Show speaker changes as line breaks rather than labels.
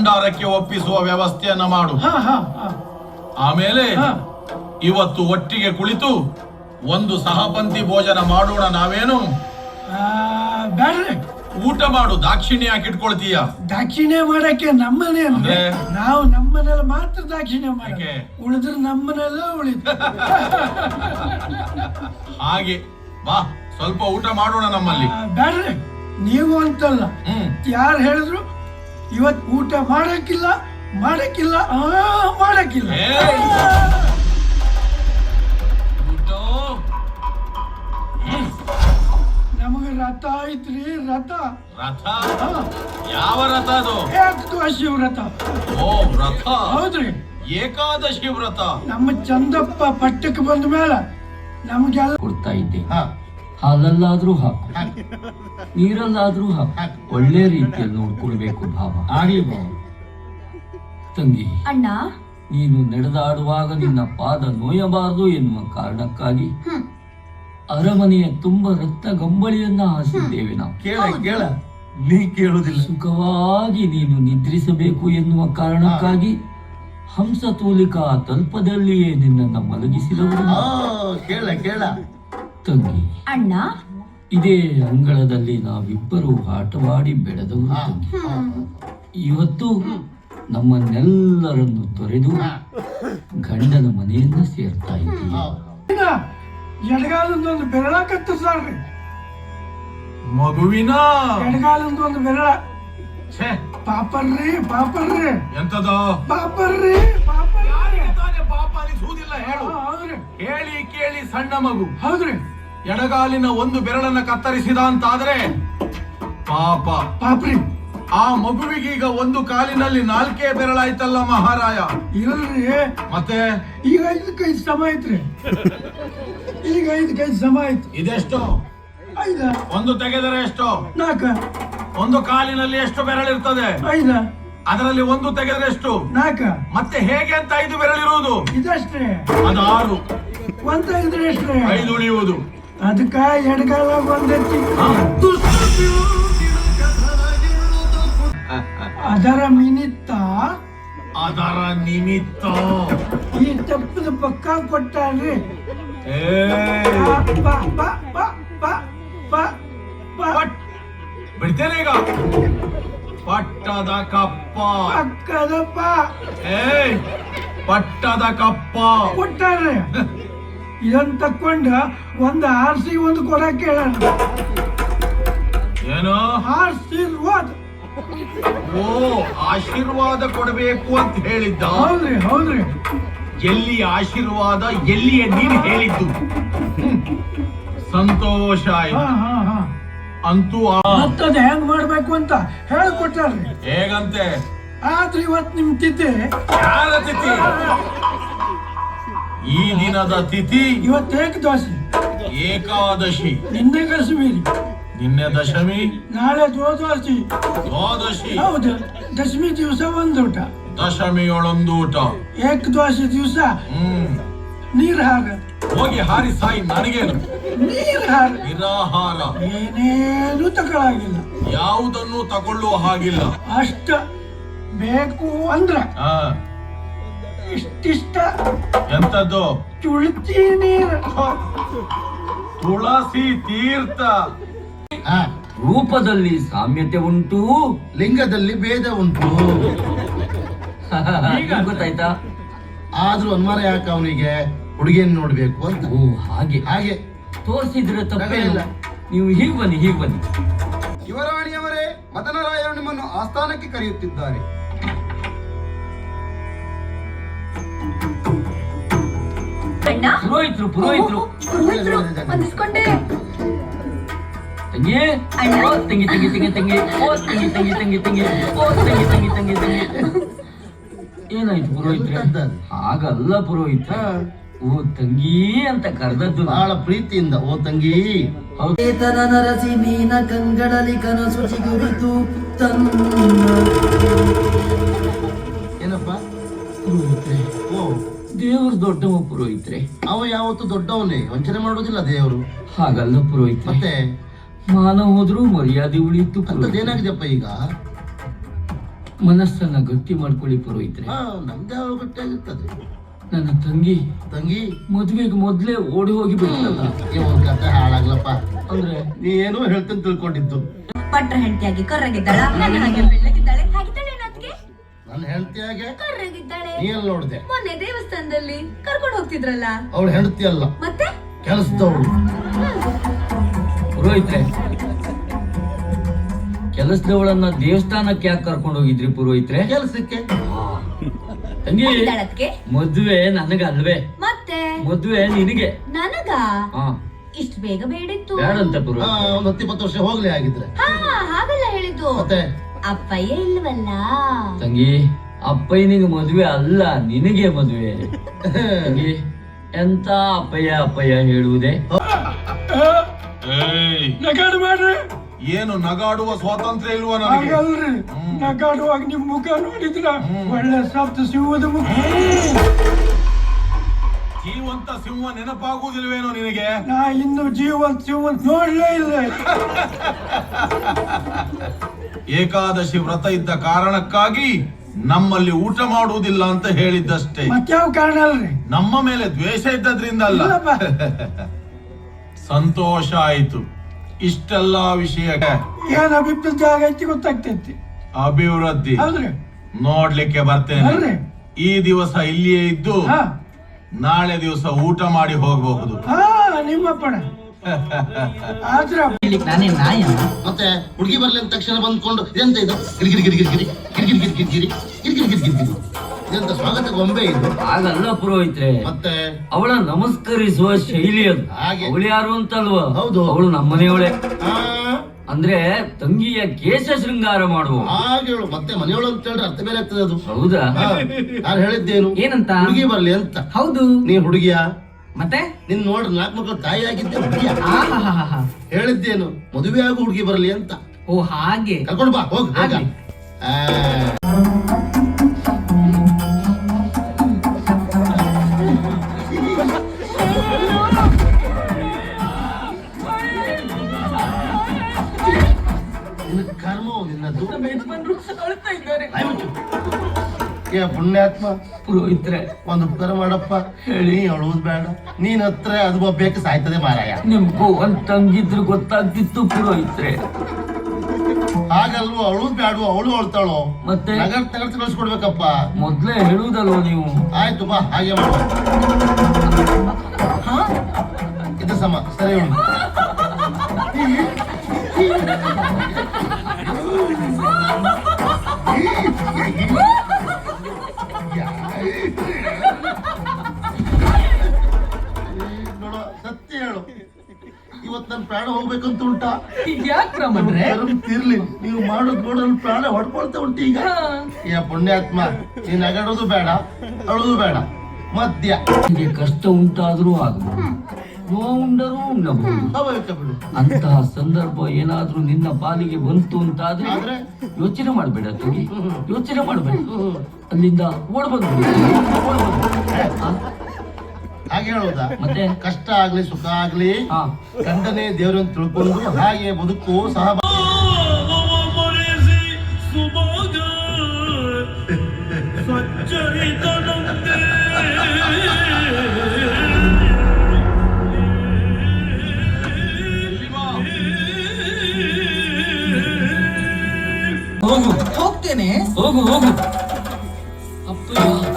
ಭಂಡಾರಕ್ಕೆ ಒಪ್ಪಿಸುವ ವ್ಯವಸ್ಥೆಯನ್ನ ಮಾಡು. ಆಮೇಲೆ ಇವತ್ತು ಒಟ್ಟಿಗೆ ಕುಳಿತು ಒಂದು ಸಹಪಂಥಿ ಭೋಜನ ಮಾಡೋಣ. ನಾವೇನು
ಬ್ಯಾಡ್ರಿ,
ಊಟ ಮಾಡು. ದಾಕ್ಷಿಣ್ಯ ಯಾಕೆ ಇಟ್ಕೊಳ್ತೀಯ?
ದಾಕ್ಷಿಣ್ಯ ಮಾಡಕ್ಕೆ ನಮ್ಮನೆ ಅಂದ್ರೆ ನಾವು ನಮ್ಮನೆಲ್ಲ ಮಾತ್ರ ದಾಕ್ಷಿಣ್ಯ
ಯಾಕೆ?
ಮಾಡಕ್ಕೆ, ಉಳಿದ್ರೆ ನಮ್ಮನೆಲ್ಲ ಉಳಿತು.
ಹಾಗೆ ಬಾ, ಸ್ವಲ್ಪ ಊಟ ಮಾಡೋಣ ನಮ್ಮಲ್ಲಿ.
ಬ್ಯಾಡ್ರಿ, ನೀವು ಅಂತಲ್ಲ, ಯಾರು ಹೇಳಿದ್ರು ಇವತ್ ಊಟ ಮಾಡಕ್ಕಿಲ್ಲ ಮಾಡಕ್ಕಿಲ್ಲ ಮಾಡಕ್ಕಿಲ್ಲ. ನಮಗೆ ರಥ ಐತ್ರಿ, ರಥ.
ರಥ? ಯಾವ ರಥ ಅದು?
ಏಕಾದಶಿ ವ್ರತ.
ಓ ವ್ರತ.
ಹೌದ್ರಿ,
ಏಕಾದಶಿ ವ್ರತ.
ನಮ್ಮ ಚಂದಪ್ಪ ಪಟ್ಟಕ್ಕೆ ಬಂದ ಮೇಲೆ ನಮ್ಗೆಲ್ಲ
ಕೊಡ್ತಾ ಇದ್ದೆ. ಹಾಲಲ್ಲಾದ್ರೂ ಹಾಕು, ನೀರಲ್ಲಾದ್ರೂ ಹಾಕು, ಒಳ್ಳೆ ರೀತಿಯಲ್ಲಿ ನೋಡ್ಕೊಳ್ಬೇಕು ಭಾವ.
ಆಗ್ಲಿ ಭಾವ.
ತಂಗಿ,
ಅಣ್ಣ,
ನೀನು ನಡೆದಾಡುವಾಗ ನಿನ್ನ ಪಾದ ನೋಯಬಾರದು ಎನ್ನುವ ಕಾರಣಕ್ಕಾಗಿ ಅರಮನೆಯ ತುಂಬ ರಕ್ತ ಗಂಬಳಿಯನ್ನ ಹಾಸಿದ್ದೇವೆ ನಾವು.
ಕೇಳ ನೀ ಕೇಳುದಿಲ್ಲ.
ಸುಖವಾಗಿ ನೀನು ನಿದ್ರಿಸಬೇಕು ಎನ್ನುವ ಕಾರಣಕ್ಕಾಗಿ ಹಂಸತೂಲಿಕಾ ತಲ್ಪದಲ್ಲಿಯೇ ನಿನ್ನನ್ನು ಮಲಗಿಸಿದವರು.
ಕೇಳ
ತಂಗಿ,
ಅಣ್ಣ,
ಇದೇ ಅಂಗಳದಲ್ಲಿ ನಾವಿಬ್ಬರು ಆಟವಾಡಿ ಬೆಳೆದವರು ತಂಗಿ. ಇವತ್ತು ನಮ್ಮನ್ನೆಲ್ಲರನ್ನು ತೊರೆದು ಗಂಡನ ಮನೆಯನ್ನ ಸೇರ್ತಾ ಇದ್ದೀವಿ.
ಎಡಗಾಲದೊಂದು ಬೆರಳ ಕತ್ತರಿಸ್ರಿ,
ಮಗುವಿನ
ಎಡಗಾಲದೊಂದು ಬೆರಳ. ಪಾಪರ್ರಿ ಪಾಪರ್ರಿ.
ಎಂತದ
ಪಾಪರ್ರಿ
ಪಾಪ ಅನಿಸುವುದಿಲ್ಲ? ಹೇಳು.
ಹೌದ್ರಿ,
ಹೇಳಿ ಕೇಳಿ ಸಣ್ಣ ಮಗು.
ಹೌದ್ರಿ.
ಎಡಗಾಲಿನ ಒಂದು ಬೆರಳನ್ನ ಕತ್ತರಿಸಿದ ಅಂತಾದ್ರೆ ಪಾಪ.
ಪಾಪ್ರಿ.
ಆ ಮಗುವಿಗೀಗ ಒಂದು ಕಾಲಿನಲ್ಲಿ 4 ಬೆರಳಾಯ್ತಲ್ಲ ಮಹಾರಾಯ.
ಇಲ್ರಿ,
ಮತ್ತೆ
ಈಗ 5 ಸಮ ಐತ್ರಿ. ಈಗ 5 ಸಮ ಐತಿ.
ಇದೆಷ್ಟು?
5.
ಒಂದು ತೆಗೆದರೆ ಎಷ್ಟು?
4.
ಒಂದು ಕಾಲಿನಲ್ಲಿ ಎಷ್ಟು ಬೆರಳಿರ್ತದೆ?
5.
ಅದರಲ್ಲಿ ಒಂದು ತೆಗೆದರೆ ಎಷ್ಟು?
4.
ಮತ್ತೆ ಹೇಗೆ ಅಂತ 5 ಬೆರಳಿರುವುದು?
ಇದಷ್ಟೇ.
ಅದು 6.
ಒಂದ್ ತೆಗೆದ್ರೆ ಎಷ್ಟ್ರಿ?
5 ಉಳಿಯುವುದು.
ಅದಕ್ಕ ಎಡಗಾಲ ಒಂದೆತ್ತಿ ಅದರ ನಿಮಿತ್ತ ಈ ತಪ್ಪದ ಪಕ್ಕ ಕೊಟ್ಟಾರ್ರಿ.
ಬಿಡ್ತೇನೆ ಈಗ. ಪಟ್ಟದ ಕಪ್ಪ.
ಪಕ್ಕದಪ್ಪ
ಪಟ್ಟದ ಕಪ್ಪ
ಕೊಟ್ಟಾರ್ರಿ. ಇದನ್ನ ತಕೊಂಡ ಒಂದು ಆರ್ಸಿ ಒಂದು ಕೊಡಕ್ಕೆ ಹೇಳ.
ಏನು?
ಆಶೀರ್ವಾದ.
ಓ, ಆಶೀರ್ವಾದ ಕೊಡಬೇಕು ಅಂತ ಹೇಳಿದ್ದ.
ಹೌದ್ರಿ ಹೌದ್ರಿ.
ಎಲ್ಲಿ ಆಶೀರ್ವಾದ, ಎಲ್ಲಿಯ ನೀನು ಹೇಳಿದ್ದು? ಸಂತೋಷ ಆಯ್ತು. ಅಂತೂ
ಮತ್ತದ ಹೆಂಗ್ ಮಾಡ್ಬೇಕು ಅಂತ ಹೇಳ್ಕೊಟ್ಟಾರ್ರಿ.
ಹೇಗಂತೆ?
ಆದ್ರೆ ಇವತ್ ನಿಮ್ ತಿಥಿ.
ಯಾರ ತಿಥಿ? ಈ ದಿನದ ತಿಥಿ
ಇವತ್ತು ಏಕದಶಿ.
ಏಕಾದಶಿ.
ನಿನ್ನೆ ಕಾಶ್ಮೀರಿ,
ನಿನ್ನೆ ದಶಮಿ,
ನಾಳೆ ದ್ವಾದಶಿ.
ದ್ವಾದಶಿ.
ಹೌದು, ದಶಮಿ ದಿವಸ ಒಂದೂಟ,
ದಶಮಿಯೊಳೊಂದು ಊಟ,
ಏಕದ್ವಾದಶಿ ದಿವಸ ನೀರ್ ಹಾರ.
ಹೋಗಿ ಹಾರಿ ಸಾಯಿ, ನನಗೇನು?
ನೀರ್ ಹಾರ.
ನಿರಾಹಾರ.
ಏನೇನು ತಗೊಳಾಗಿಲ್ಲ,
ಯಾವುದನ್ನು ತಗೊಳ್ಳುವ ಹಾಗಿಲ್ಲ.
ಅಷ್ಟ ಬೇಕು ಅಂದ್ರ
ಆ,
ಇಷ್ಟಿಷ್ಟ.
ಎಂತದ್ದು?
ತುಳಸಿ ನೀರು,
ತುಳಸಿ ತೀರ್ಥ.
ರೂಪದಲ್ಲಿ ಸಾಮ್ಯತೆ ಉಂಟು,
ಲಿಂಗದಲ್ಲಿ ಭೇದ ಉಂಟು.
ಗೊತ್ತಾಯ್ತಾ?
ಆದ್ರೂ ಅನುಮಾನ ಯಾಕೆ ಅವನಿಗೆ ಹುಡುಗಿಯನ್ನು ನೋಡ್ಬೇಕು ಅಂತ.
ಓ, ಹಾಗೆ
ಹಾಗೆ
ತೋರಿಸಿದ್ರೆ ತಪ್ಪಿಲ್ಲ. ನೀವು ಹೀಗೆ ಬನ್ನಿ, ಹೀಗೆ ಬನ್ನಿ.
ಯುವರಾಣಿಯವರೇ, ಮದನರಾಯರು ನಿಮ್ಮನ್ನು ಆಸ್ಥಾನಕ್ಕೆ ಕರೆಯುತ್ತಿದ್ದಾರೆ.
ಪುರೋಹಿತರು ಪುರೋಹಿತರು
ಒಂದಿಸ್ಕೊಂಡೆ.
ತಂಗಿ, ಓ ತಂಗಿ ತಂಗಿ ತಂಗಿ ತಂಗಿ, ಓ ತಂಗಿ ತಂಗಿ ತಂಗಿ ತಂಗಿ, ಓ ತಂಗಿ ತಂಗಿ ತಂಗಿ ತಂಗಿ. ಏನಾಯ್ತು ಪುರೋಹಿತ್ರೆ? ಹಾಗಲ್ಲ ಪುರೋಹಿತ, ಓ ತಂಗಿ ಅಂತ ಕರೆದದ್ದು
ಬಹಳ ಪ್ರೀತಿಯಿಂದ ಓ ತಂಗಿ.
ಏತನ ನರಸಿ ಮೀನ ಕಂಗಡಲಿ ಕನಸು ಚಿಗುರಿತು ತನ್ನ.
ಏನಪ್ಪ
ಪುರೋಹಿತ್ರೆ?
ಓ,
ದೇವರು ದೊಡ್ಡವ ಪುರೋಹಿತ್ರೆ.
ಅವ ಯಾವತ್ತು ದೊಡ್ಡವನೇ, ವಂಚನೆ ಮಾಡೋದಿಲ್ಲ ದೇವರು.
ಹಾಗಲ್ಲ ಪುರೋಹಿತ್ರೆ,
ಮತ್ತೆ
ಮಾನ ಹೋದ್ರೂ ಮರ್ಯಾದೆ ಉಳಿಯಿತು.
ಅಂತದ್ದೇನಾಗಿದೆಯಪ್ಪ ಈಗ?
ಮನಸ್ಸನ್ನ ಗಟ್ಟಿ ಮಾಡ್ಕೊಳ್ಳಿ ಪುರೋಹಿತ್ರೆ.
ನಮ್ದೇ ಗಟ್ಟಿಯಾಗಿರ್ತದೆ.
ನನ್ನ ತಂಗಿ
ತಂಗಿ
ಮದುವೆಗೆ ಮೊದ್ಲೇ ಓಡಿ ಹೋಗಿ ಬಿಡ್ತಲ್ಲ.
ಒಂದ್ ಕತೆ ಹಾಳಾಗ್ಲಪ್ಪ.
ಅಂದ್ರೆ
ನೀ ಏನೋ ಹೇಳ್ತೇನೆ ತಿಳ್ಕೊಂಡಿದ್ದು.
ಪಟ್ರ ಹೆಂಡತಿಯಾಗಿ ಕರ್ರಗಿದ್ದಾಳ, ನನ್ನ ಹಾಗೆ ಬೆಳ್ಳಗಿದ್ದಾಳೆ, ಹಾಗಿದ್ದಾಳೆ ಅದಕ್ಕೆ
ನನ್ನ ಹೆಂಡತಿಯಾಗೆ
ಕರ್ರಗಿದ್ದಾಳೆ.
ನೀ ಎಲ್ಲಿ ನೋಡ್ದೆ?
ಮೊನ್ನೆ ದೇವಸ್ಥಾನದಲ್ಲಿ ಕರ್ಕೊಂಡು ಹೋಗ್ತಿದ್ರಲ್ಲ.
ಅವಳು ಹೆಂಡತಿ ಅಲ್ಲ,
ಮತ್ತೆ
ಕೆಲಸದವಳು.
ಪುರೋಹಿತ್ರೆ, ಕೆಲಸದವಳನ್ನ ದೇವಸ್ಥಾನಕ್ಕೆ ಯಾಕೆ ಕರ್ಕೊಂಡು ಹೋಗಿದ್ರಿ ಪುರೋಹಿತ್ರೆ?
ಕೆಲಸಕ್ಕೆ.
ತಂಗಿ,
ಅದಕ್ಕೆ
ಮದುವೆ ನನಗಲ್ವೇ?
ಮತ್ತೆ
ಮದುವೆ ನಿನಗೆ.
ನನಗ
ಹಾ,
ಇಷ್ಟು ಬೇಗ ಬೇಡಿತ್ತು.
ಬೇಡಂತ ಪುರೋಹಿತ್ರೆ.
ಒಂದ್ 10-20 ವರ್ಷ ಹೋಗ್ಲಿ ಆಗಿದ್ರೆ.
ಹಾ, ಹಾಗಲ್ಲ ಹೇಳಿದ್ದು.
ಮತ್ತೆ
ಅಪ್ಪಯ್ಯ ಇಲ್ವಲ್ಲ.
ತಂಗಿ, ಅಪ್ಪಯ್ಯನಿಗೆ ಮದುವೆ ಅಲ್ಲ, ನಿನಗೆ ಮದುವೆ. ತಂಗಿ, ಎಂತ ಅಪ್ಪಯ್ಯ ಹೇಳುವುದೇ?
ಏಯ್,
ನಗಾಡು ಮಾಡ್ರಿ.
ಏನು ನಗಾಡುವ ಸ್ವಾತಂತ್ರ್ಯ ಇಲ್ವಾ ನನಗೆ?
ಹಾಗಲ್ರಿ, ನಗಾಡುವಾಗ ನಿಮ್ ಮುಖ ನೋಡಿದ್ರ ಒಳ್ಳೆ ಸಪ್ತ ಸಿಂಹದ ಮುಖ.
ಜೀವಂತ ಸಿಂಹ ನೆನಪಾಗುವುದಿಲ್ವೇನೋ ನಿನಗೆ?
ನಾ ಇನ್ನು ಜೀವಂತ ಸಿಂಹಂತ ನೋಡ್ಲೇ ಇಲ್ಲ.
ಏಕಾದಶಿ ವ್ರತ ಇದ್ದ ಕಾರಣಕ್ಕಾಗಿ ನಮ್ಮಲ್ಲಿ ಊಟ ಮಾಡುವುದಿಲ್ಲ ಅಂತ ಹೇಳಿದ್ದಷ್ಟೇ.
ಮತ್ಯಾವ ಕಾರಣ ಅಲ್ರಿ?
ನಮ್ಮ ಮೇಲೆ ದ್ವೇಷ ಇದ್ದದ್ರಿಂದ ಅಲ್ಲ.
ಇಲ್ಲಪ್ಪ.
ಸಂತೋಷ ಆಯ್ತು. ಇಷ್ಟೆಲ್ಲಾ ವಿಷಯ
ಏನ್ ಅಭಿಪ್ರಾಯ ಜಾಗ ಐತಿ ಗೊತ್ತಾಗ್ತೈತಿ.
ಅಭಿವೃದ್ಧಿ
ಹೌದ್ರಿ?
ನೋಡ್ಲಿಕ್ಕೆ ಬರ್ತೇನೆ.
ಅಲ್ರಿ?
ಈ ದಿವಸ ಇಲ್ಲಿಯೇ ಇದ್ದು
ಹಾ
ನಾಳೆ ದಿವಸ ಊಟ ಮಾಡಿ ಹೋಗಬಹುದು.
ಹಾ, ನಿಮ್ಮಪ್ಪಣ ಆದ್ರ
ನಾನೇ ನಾಯ.
ಮತ್ತೆ ಹುಡುಗಿ ಬರ್ಲಿ ಅಂದ ತಕ್ಷಣ ಬಂದ್ಕೊಂಡು ಎಂತ ಇದು ಗಿರಿಗಿರಿ ಗಿರಿಗಿರಿ ಗಿರಿ ಗಿರಿಗಿರಿ ಗಿರಿಗಿರಿ ಗಿರಿ ಗಿರಿಗಿರಿ ಗಿರಿಗಿರಿ ಗಿರಿ ಇದೆಂತ ಸ್ವಾಗತ ಗೊಂಬೆ ಇದು?
ಹಾಗಲ್ಲ ಪುರೋಹಿತ್ರೆ,
ಮತ್ತೆ
ಅವಳ ನಮಸ್ಕರಿಸುವ ಶೈಲಿ ಅದು.
ಹಾಗೆ.
ಅವಳು ಯಾರು ಅಂತಲ್ವಾ?
ಹೌದು.
ಅವಳು ನಮ್ಮನೆಯವಳೆ.
ಆ,
ಅಂದ್ರೆ ತಂಗಿಯ ಕೇಶ ಶೃಂಗಾರ ಮಾಡುವ.
ಹಾಗೆ ಹೇಳು. ಮತ್ತೆ ಮನೆಯೊಳು ಅಂತ ಹೇಳಿದ್ರೆ ಅರ್ಥ ಬೇರೆ ಆಗ್ತದೆ ಅದು.
ಹೌದಾ?
ನಾನು ಹೇಳಿದ್ದೇನು?
ಏನಂತ?
ಹುಡುಗಿ ಬರ್ಲಿ ಅಂತ.
ಹೌದು.
ನೀ ಹುಡುಗಿಯ?
ಮತ್ತೆ
ನಿನ್ ನೋಡ್ರಿ 4 ಮಕ್ಕಳು ತಾಯಿ ಆಗಿದ್ದೆ ಹುಡುಗಿಯ.
ಆಹಾಹಾಹಾ.
ಹೇಳಿದ್ದೇನು? ಮದುವೆ ಆಗು ಹುಡುಗಿ ಬರ್ಲಿ ಅಂತ.
ಓ ಹಾಗೆ.
ಕರ್ಕೊಂಡು ಬಾ, ಹೋಗ್ ಬೇಗ.
ಆಗ್ಲಿ.
ನಿನ್ನ ಕರ್ಮವು ನಿನ್ನದು. ಆಯ್ತು. ಏ ಪುಣ್ಯಾತ್ಮ,
ಪುರೋಹಿತ್ರೆ,
ಒಂದು ಉಪಕಾರ ಮಾಡಪ್ಪ. ಹೇಳಿ ಅಳುವುದು ಬೇಡ. ನೀನ್ ಹತ್ರ ಅದು ಬೇಕು ಸಾಯ್ತದೆ ಮಾರಾಯ.
ನಿಮ್ಗೂ ಒಂದ್ ತಂಗಿದ್ರು ಗೊತ್ತಾಗ್ತಿತ್ತು ಪುರೋಹಿತ್ರೆ.
ಹಾಗಲ್ವ, ಅಳುವುದು ಬೇಡ. ಅವಳು ಅಳ್ತಾಳೋ
ಮತ್ತೆ
ನಗರ್ ತಗರ್ಸಿ ಕಳ್ಸ್ಕೊಡ್ಬೇಕಪ್ಪ.
ಮೊದ್ಲೇ ಹೇಳುವುದಲ್ವ ನೀವು?
ಆಯ್ತು ಬಾ, ಹಾಗೆ ಮಾಡ. ಇದು ಸಮ ಸರಿ ಉಂಟು. ನೋಡು, ಸತ್ಯ ಹೇಳು, ಇವತ್ತು ನನ್ನ ಪ್ರಾಣ ಹೋಗ್ಬೇಕಂತ ಉಂಟಾ?
ಯಾಕೆ ಬ್ರಾಹ್ಮಣ್ರೆ?
ತಿರ್ಲಿ, ನೀವು ಮಾಡೋದು ನೋಡಲು ಪ್ರಾಣ ಹೊಡ್ಕೊಳ್ತಾ ಉಂಟು ಈಗ. ಏ ಪುಣ್ಯಾತ್ಮ, ನೀನ್ ನಗಾಡೋದು ಬೇಡ, ಅಳೋದು ಬೇಡ, ಮದ್ಯ.
ನಿಮಗೆ ಕಷ್ಟ ಉಂಟಾದ್ರೂ ಆಗಬಹುದು, ನೋವುಂಡರೂ ಉಣ್ಣಬಹುದು.
ಸ್ವಾಭಾವಿಕ ಬಿಡು.
ಅಂತಹ ಸಂದರ್ಭ ಏನಾದ್ರೂ ನಿನ್ನ ಪಾಲಿಗೆ ಬಂತು ಅಂತಾದ್ರೆ
ಆದ್ರೆ
ಯೋಚನೆ ಮಾಡಬೇಡ ತಂಗಿ, ಯೋಚನೆ ಮಾಡಬೇಡ. ಅಲ್ಲಿಂದ ಓಡ್ಬಂದು
ಹಾಗೆ ಹೇಳೋದಾ?
ಮತ್ತೆ
ಕಷ್ಟ ಆಗ್ಲಿ ಸುಖ ಆಗ್ಲಿ
ಹಾ,
ಗಂಡನೇ ದೇವರನ್ನು ತಿಳ್ಕೊಂಡು ಹಾಗೆ ಬದುಕು ಸಹ.
ಹೋಗು
ಹೋಗ್ತೇನೆ.
ಹೋಗು ಹೋಗು. ಅಪ್ಪಯ್ಯ